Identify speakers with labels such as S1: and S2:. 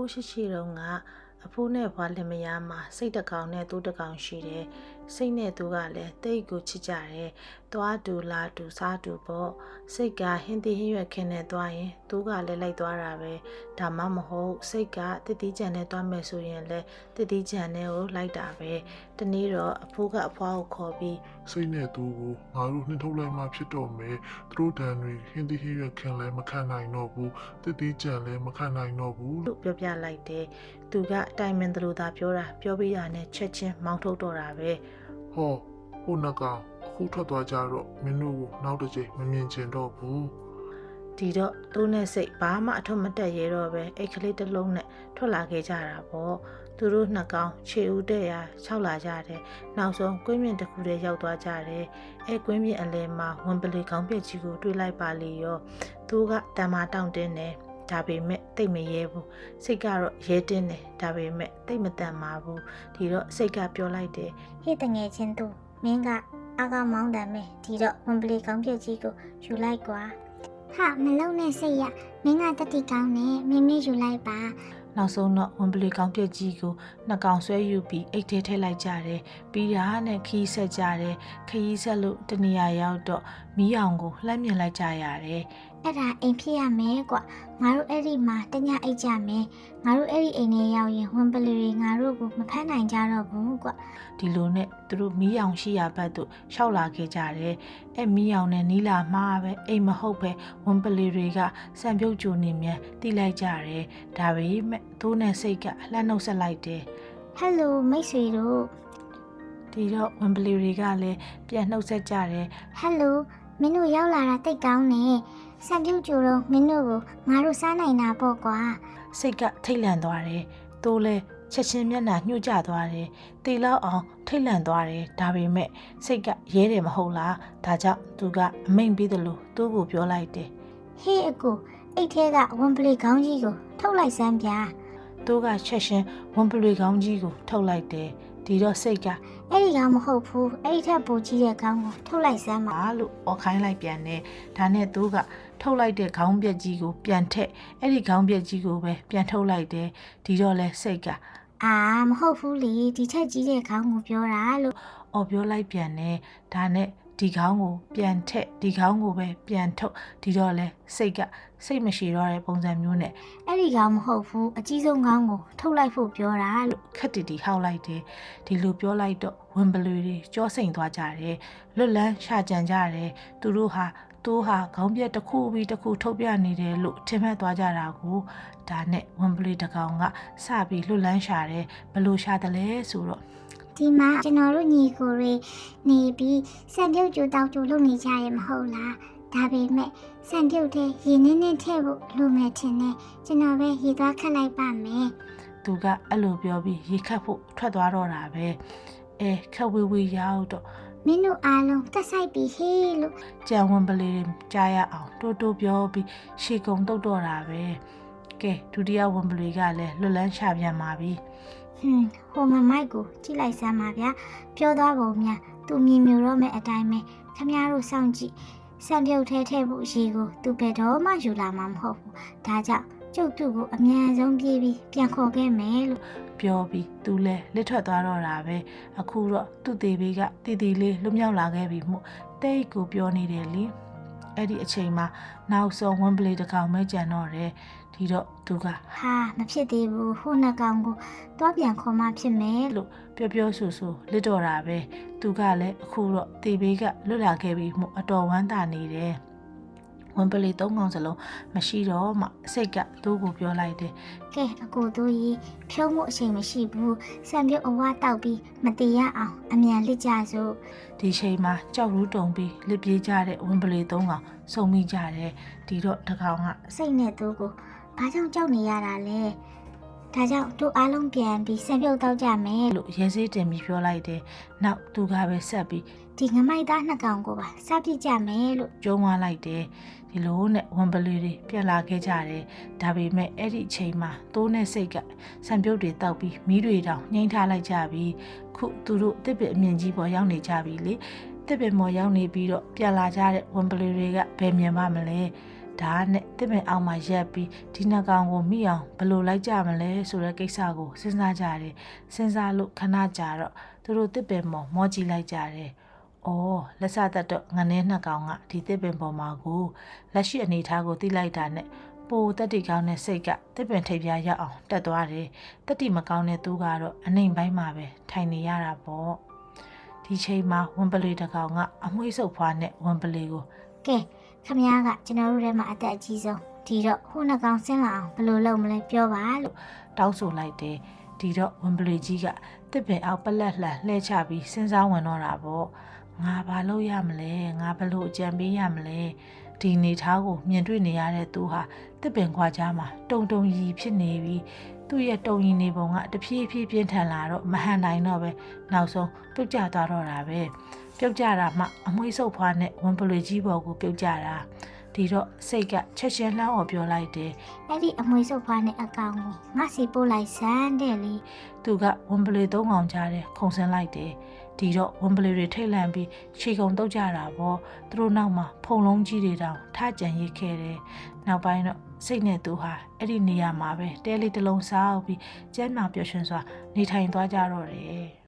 S1: ရှိတုန်းကအဖိုးနဲ့ဘွားလင်မယားမှာစိတ်တစ်ကောင်နဲ့သူ့တစ်ကောင်ရှိတယ်စိတ်နဲ့သူကလည်းတိတ်ကိုချစ်ကြတယ်သွားတူလာတူစားတူပေါ့စိတ်ကဟင်းသီးဟင်းရွက်ခင်းနဲ့သွားရင်သူကလည်းလိုက်သွားတာပဲဒါမှမဟုတ်စိတ်ကတစ်တီးကြံနဲ့သွားမယ်ဆိုရင်လည်းတစ်တီးကြံနဲ့ကိုလိုက်တာပဲတနေ့တော့အဖိုးကအဖွားကိုခေါ်ပြီး
S2: စိတ်နဲ့သူကိုငါတို့နှင်ထုတ်လိုက်မှဖြစ်တော့မယ်သူတို့တန်တွေဟင်းသီးဟင်းရွက်ခင်းလည်းမခံနိုင်တော့ဘူးတစ်တီးကြံလည်းမခံနိုင်တော့ဘူး
S1: လို့ပြောပြလိုက်တယ်သူကတိုင်မင်သလိုသာပြောတာပြောပြီးတာနဲ့ချက်ချင်းမောင်းထုတ်တော့တာပဲ
S2: ဟောဟိုနှကောင်အခုထွက်သွားကြတော့မင်းတို့ကိုနောက်တစ်ချိန်မမြင်ချင်တော့ဘူး
S1: ဒီတော့သူ့နဲ့စိတ်ဘာမှအထွတ်မတက်ရဲတော့ပဲအိတ်ကလေးတစ်လုံးနဲ့ထွက်လာခဲ့ကြတာပေါ့သူတို့နှစ်ကောင်ခြေဦးတဲ့ရာ၆လာကြတယ်နောက်ဆုံးကွင်းမြင့်တစ်ခုတည်းရောက်သွားကြတယ်အဲကွင်းမြင့်အလယ်မှာဝင်ပလီကောင်းပြက်ကြီးကိုတွေ့လိုက်ပါလေရောသူကတံမာတောင့်တင်းတယ်ဒါပေမဲ့တိတ်မရဲဘူးစိတ်ကတော့ရဲတင်းတယ်ဒါပေမဲ့တိတ်မတန်ပါဘူးဒီတော့စိတ်ကပြောလိုက်တယ်
S3: ဟေ့တငယ်ချင်းသူမင်းကအာကမောင်းတယ်မယ်ဒီတော့ဝင်ပလီကောင်းပြက်ကြီးကိုယူလိုက်ကွာဟာမလုံနဲ့စိတ်ရမင်းကတတိကောင်းနဲ့မင်းယူလိုက်ပါ
S1: နောက်ဆုံးတော့ဝင်ပလီကောင်းပြက်ကြီးကိုနှစ်ကောင်ဆွဲယူပြီးအိတ်ထဲထည့်လိုက်ကြတယ်ပြီးတာနဲ့ခီးဆက်ကြတယ်ခီးဆက်လို့တနေရာရောက်တော့မီးအောင်ကိုလှမ်းမြင်လိုက်ကြရတယ်
S3: အဲ့ဒါအိမ်ဖြစ်ရမယ်ကွငါတို့အဲ့ဒီမှာတညအိတ်ကြမယ်ငါတို့အဲ့ဒီအိမ်ထဲရောက်ရင်ဝင်ပလီတွေငါတို့ကိုမဖမ်းနိုင်ကြတော့ဘူးကွ
S1: ဒီလိုနဲ့သူတို့မီးအောင်ရှိရာဘက်သို့ရှောက်လာခဲ့ကြတယ်အဲ့မီးအောင်နဲ့နီးလာမှာပဲအိမ်မဟုတ်ပဲဝင်ပလီတွေကစံပြုတ်ကြိုနေမြန်တိလိုက်ကြတယ်ဒါပေမဲ့သူ့နဲ့စိတ်ကလှမ်းနှုတ်ဆက်လိုက်တယ်
S3: ဟယ်လိုမိတ်ဆွေတို့
S1: ဒီတော့ဝင်ပလီတွေကလည်းပြန်နှုတ်ဆက်ကြတယ်
S3: ဟယ်လိုမင်းတို့ရောက်လာတာတိတ်ကောင်းနေစံပြုတ်ကြိုတော့မင်းတို့ကိုငါတို့စားနိုင်တာပေါ့ကွာ
S1: စိတ်ကထိတ်လန့်သွားတယ်သူလည်းချက်ချင်းမျက်နှာညှို့ကျသွားတယ်တေလောက်အောင်ထိတ်လန့်သွားတယ်ဒါပေမဲ့စိတ်ကရဲတယ်မဟုတ်လားဒါကြောင့်သူကအမိန်ပြီးတယ်လို့သူ့ကိုပြောလိုက်တယ်
S3: ဟေးအကိုအိတ်ထဲကဝန်ပလီခေါင်းကြီးကိုထုတ်လိုက်စမ်းပြ
S1: သူကချက်ချင်းဝန်ပလီခေါင်းကြီးကိုထုတ်လိုက်တယ်ဒီတော့စိတ်က
S3: အဲ့ဒီကောင်မဟုတ်ဘူးအဲ့ဒီထက်ပိုကြီးတဲ့ခေါင်းကိုထုတ်လိုက်စမ်းပါ
S1: လို့အော်ခိုင်းလိုက်ပြန်တယ်ဒါနဲ့သူကထုတ်လိုက်တဲ့ခေါင်းပြက်ကြီးကိုပြန်ထက်အဲ့ဒီခေါင်းပြက်ကြီးကိုပဲပြန်ထုတ်လိုက်တယ်ဒီတော့လဲစိတ်က
S3: အာမဟုတ်ဘူးလေဒီထက်ကြီးတဲ့ခေါင်းကိုပြောတာလို့
S1: အော်ပြောလိုက်ပြန်တယ်ဒါနဲ့ဒီခေါင်းကိုပြန်ထက်ဒီခေါင်းကိုပဲပြန်ထုတ်ဒီတော့လဲစိတ်ကစိတ်မရှိတော့တဲ့ပုံစံမျိုးနဲ့
S3: အဲ့ဒီခေါင်းမဟုတ်ဘူးအကြီးဆုံးခေါင်းကိုထုတ်လိုက်ဖို့ပြောတာလို့
S1: ခက်တီတီဟောက်လိုက်တယ်ဒီလိုပြောလိုက်တော့ဝင်ပလူတွေကြောစိန်သွားကြတယ်လွတ်လန်းရှာကြံကြတယ်သူတို့ဟာခေါင်းပြက်တစ်ခုပြီးတစ်ခုထုတ်ပြနေတယ်လို့ထင်မှတ်သွားကြတာကိုဒါနဲ့ဝင်ပလူတစ်ကောင်ကစပြီးလွတ်လန်းရှာတယ်ဘလို့ရှာတယ်လဲဆိုတော့
S3: ဒီမှာကျွန်တော်တို့ညီကိုတွေနေပြီးစံပြုတ်ကြိုတောက်ကြိုလုပ်နေကြရမဟုတ်လားဒါပေမဲ့စံပြုတ်တဲ့ရေနည်းနည်းထည့်ဖို့လိုမယ်ထင်တယ်ကျွန်တော်ပဲရေသွားခတ်လိုက်ပါမယ်
S1: သူကအဲ့လိုပြောပြီးရေခတ်ဖို့ထွက်သွားတော့တာပဲခက်ဝေးဝေးရောက်တော့
S3: မင်းတို့အားလုံးတက်ဆိုင်ပြီးဟေးလို့
S1: ကြံဝင်ပလီကြားရအောင်တိုးတိုးပြောပြီးရှေကုံတုတ်တော့တာပဲကဲဒုတိယဝင်ပလီကလည်းလွတ်လန်းရှာပြန်ပါပြီ
S3: ဟိုမမိုက်ကိုကြည့်လိုက်စမ်းပါဗျာပြောသွားပုံများသူမြင်မျိုးတော့မဲ့အတိုင်းပဲခမများတို့စောင့်ကြည့်စံပြုတ်ထဲဖို့ရေကိုသူဘယ်တော့မှယူလာမှာမဟုတ်ဘူးဒါကြောင့်ကျုပ်သူ့ကိုအမြန်ဆုံးပြေးပြီးပြန်ခေါ်ခဲ့မယ်လို့
S1: ပြောပြီးသူလဲလက်ထွက်သွားတော့တာပဲအခုတော့သူ့သေးဘေးကတီတီလေးလွတ်မြောက်လာခဲ့ပြီမို့တိတ်ကိုပြောနေတယ်လေအဲ့ဒီအချိန်မှာနောက်ဆုံးဝင်ပလီတစ်ကောင်မဲကြံတော့တယ်ဒီတော့သူက
S3: ဟာမဖြစ်သေးဘူးဟိုနှစ်ကောင်ကိုတွားပြန်ခေါ်မှဖြစ်မယ်
S1: လို့ပြောဆူလစ်တော့တာပဲသူကလည်းအခုတော့တေဘေးကလွတ်လာခဲ့ပြီမို့အတော်ဝမ်းသာနေတယ်ဝင်ပလီ၃ကောင်စလုံးမရှိတော့မှစိတ်ကသူ့ကိုပြောလိုက်တယ်
S3: ကဲအကိုတို့ကြီးဖြုံးမှုအချိန်မရှိဘူးစံပြုတ်အဝါတောက်ပြီးမတေရအောင်အမြန်လစ်ကြစို့
S1: ဒီချိန်မှာကြောက်ရူးတုံပြီးလစ်ပြေးကြတဲ့ဝင်ပလီ၃ကောင်စုံမိကြတယ်ဒီတော့တကောင်က
S3: စိတ်နဲ့သူ့ကိုဘာကြောင့်ကြောက်နေရတာလဲဒါကြောင့်တို့အားလုံးပြန်ပြီးစံပြုတ်တောက်ကြမယ်
S1: လို့ရဲစေးတင်ပြီးပြောလိုက်တယ်နောက်သူကပဲဆက်ပြီး
S3: ဒီငမိုက်သားနှစ်ကောင်ကိုပါစပြစ်ကြမယ်လို့
S1: ကျုံးသွားလိုက်တယ်ဒီလိုနဲ့ဝန်ပလီတွေပြန်လာခဲ့ကြတယ်ဒါပေမဲ့အဲ့ဒီအချိန်မှာတိုးနဲ့စိတ်ကစံပြုတ်တွေတောက်ပြီးမီးတွေတောင်နှိမ့်ထားလိုက်ကြပြီးခုသူတို့တစ်ပစ်အမြင့်ကြီးပေါ်ရောက်နေကြပြီလေတစ်ပစ်မော်ရောက်နေပြီးတော့ပြန်လာကြတဲ့ဝန်ပလီတွေကဘယ်မြင်ပါမလဲဒါနဲ့တစ်ပင်အောင်မှာရက်ပြီးဒီနှစ်ကောင်ကိုမိအောင်ဘယ်လိုလိုက်ကြမလဲဆိုတဲ့ကိစ္စကိုစဉ်းစားကြတယ်စဉ်းစားလို့ခဏကြာတော့သူတို့တစ်ပင်ပေါ်မောကြည့်လိုက်ကြတယ်။အော်လက်စသက်တော့ငနေနှစ်ကောင်ကဒီတစ်ပင်ပေါ်မှာကိုလက်ရှိအနေထားကိုသိလိုက်တာနဲ့ပိုတက်တီကောင်းတဲ့စိတ်ကတစ်ပင်ထိပ်ပြားရောက်အောင်တက်သွားတယ်။တက်တီမကောင်းတဲ့သူကတော့အနှိမ်ပိုင်းမှာပဲထိုင်နေရတာပေါ့။ဒီချိန်မှာဝံပလီတစ်ကောင်ကအမွှေးဆုပ်ဖွားနဲ့ဝံပလီကို
S3: ကဲခမည်းကကျွန်တော်တို့ထဲမှာအသက်အကြီးဆုံးဒီတော့ခုနှစ်ကောင်ဆင်းလာအောင်ဘယ်လိုလုပ်မလဲပြောပါလို့
S1: တောင်းဆိုလိုက်တယ်ဒီတော့ဝံပလီကြီးကတစ်ပင်အောက်ပလက်လှန်လှဲချပြီးစဉ်းစားဝင်တော့တာပေါ့ငါဘာလုပ်ရမလဲငါဘယ်လိုအကြံပေးရမလဲဒီနေသားကိုမြင်တွေ့နေရတဲ့သူဟာတစ်ပင်ခွာကြားမှာတုံတုံရီဖြစ်နေပြီးသူ့ရဲ့တုံရီနေပုံကတဖြည်းဖြည်းပြင်းထန်လာတော့မဟန်နိုင်တော့ပဲနောက်ဆုံးပြုတ်ကျသွားတော့တာပဲပြုတ်ကျတာမှအမွှေးဆုပ်ဖွားနဲ့ဝံပလီကြီးပေါ်ကိုပြုတ်ကျတာဒီတော့စိတ်ကချက်ချင်းလှမ်းအောင်ပြောလိုက်တယ်
S3: အဲ့ဒီအမွှေးစုပ်ဖွားနဲ့အကောင်ကိုငါစီပို့လိုက်စမ်းတဲ့လေ
S1: သူကဝံပလီသုံးကောင်ကြားတယ်ခုံဆင်းလိုက်တယ်ဒီတော့ဝံပလီတွေထိတ်လန့်ပြီးခြေကုံတုတ်ကြတာပေါ့သူတို့နောက်မှာဖုံလုံးကြီးတွေတောင်ထကြံရစ်ခဲ့တယ်နောက်ပိုင်းတော့စိတ်နဲ့သူဟာအဲ့ဒီနေရာမှာပဲတဲလေးတစ်လုံးစားပြီးကျန်းမာပျော်ရွှင်စွာနေထိုင်သွားကြတော့တယ်